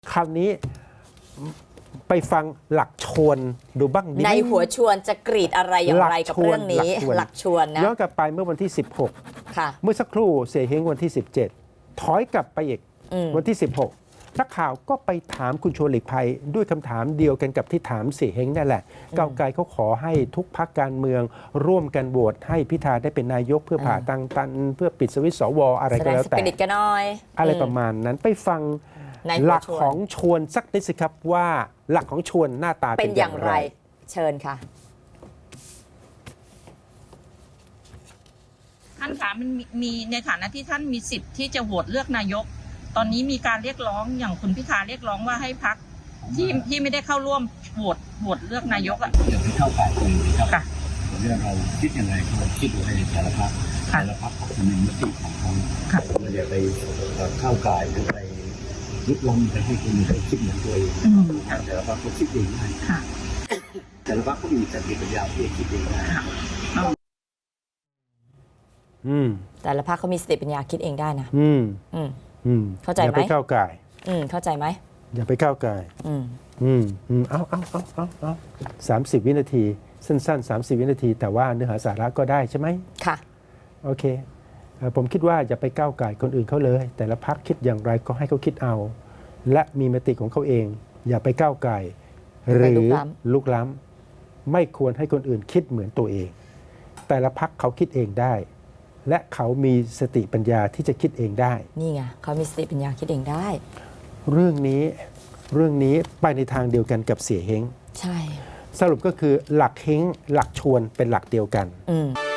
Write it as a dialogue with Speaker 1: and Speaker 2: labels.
Speaker 1: คราวนี้ไปฟังหลักชวนดูบ้างดีไหม
Speaker 2: ในหัวชวนจะกรีดอะไรอย่างไรกับเรื่องนี้หลักชวนนะ
Speaker 1: ย้อนกลับไปเมื่อวันที่
Speaker 2: ค่ะ
Speaker 1: 16 เมื่อสักครู่เสียเฮงวันที่ 17 ถอยกลับไปอีกวันที่ 16 นักข่าวก็ไปถามคุณชวนหลีกภัยด้วยคำถามเดียวกันกับที่ถามเสียเฮงนั่นแหละก้าวไกลเขาขอให้ทุกพรรคการเมืองร่วมกันโหวตให้พิธาได้เป็นนายกเพื่อผ่าตันเพื่อปิดสวิตช์สวอะไร
Speaker 2: แส
Speaker 1: ก็
Speaker 2: ดง
Speaker 1: แล้ว
Speaker 2: ส
Speaker 1: แต่
Speaker 2: ปิริตกันหน่อย
Speaker 1: อะไรประมาณนั้นไปฟัง
Speaker 2: ในหัวชวน
Speaker 1: หลักของชวนสักนิดสิครับว่าหลักของชวนหน้าตา
Speaker 2: เป็
Speaker 1: เป็น น
Speaker 2: อ
Speaker 1: อย่
Speaker 2: า
Speaker 1: ย่าง ง
Speaker 2: ไร
Speaker 1: ไร
Speaker 2: เชิญค่ะ
Speaker 3: ท่านคะมันมีในฐานะที่ท่านมีสิทธิ์ที่จะโหวตเลือกนายก ตอนนี้มีการเรียกร้องอย่างคุณพิธาเรียกร้องว่าให้พรรคที่ไม่ได้เข้าร่วมโหวตเลือกนายกอ่ะ
Speaker 4: อย่าไปเข้าฝ่ายคนอื่นครับ
Speaker 3: ค่ะ
Speaker 4: เรื่องเราคิดยังไงก็คิดดูให้แต่ละพรรค
Speaker 3: ค่ะ
Speaker 4: แต่ละพรรคเขาจะมีมติของเขา
Speaker 3: ค่ะ
Speaker 4: เราอย่าไปเข้าก่ายหรือไปลุกล้ำไปให้คนอื่นเขาคิดเหมือนตัวเอง แต่ละพรรคเขาคิดเองได้
Speaker 3: ค่ะ
Speaker 4: แต่ละพรรคเขามีสติปัญญาที่จะคิดเองได้
Speaker 1: อืม
Speaker 2: แต่ละภาคเขามีสติปัญญาคิดเองได้นะ
Speaker 1: อืม
Speaker 2: อืม
Speaker 1: อืม
Speaker 2: เข้าใจ
Speaker 1: อย่า
Speaker 2: ไหม
Speaker 1: ไปก้าวไก่าย
Speaker 2: เข้าใจไหม
Speaker 1: อย่าไปก้าวไก่าย
Speaker 2: อืม
Speaker 1: เอา30 วินาที สั้นๆ 30 วินาที แต่ว่าเนื้อหาสาระก็ได้ใช่ไหม
Speaker 2: ค่ะ
Speaker 1: โอเคผมคิดว่าอย่าไปก้าวไก่ายคนอื่นเขาเลย แต่ละพรรคคิดอย่างไรก็ให้เขาคิดเอา และมีมติของเขาเอง อย่าไปก้าวไก่ายห
Speaker 2: ไป
Speaker 1: รื
Speaker 2: ลุ
Speaker 1: อก
Speaker 2: ล้ำ
Speaker 1: ลุกล้ำไม่ควรให้คนอื่นคิดเหมือนตัวเอง แต่ละพรรคเขาคิดเองได้ และเขามีสติปัญญาที่จะคิดเองได้
Speaker 2: นี่ไงเขามีสติปัญญาคิดเองได้
Speaker 1: เรื่องนี้ไปในทางเดียวกันกับเสียเฮง
Speaker 2: ใช่
Speaker 1: สรุปก็คือหลักเฮงหลักชวนเป็นหลักเดียวกัน
Speaker 2: อืม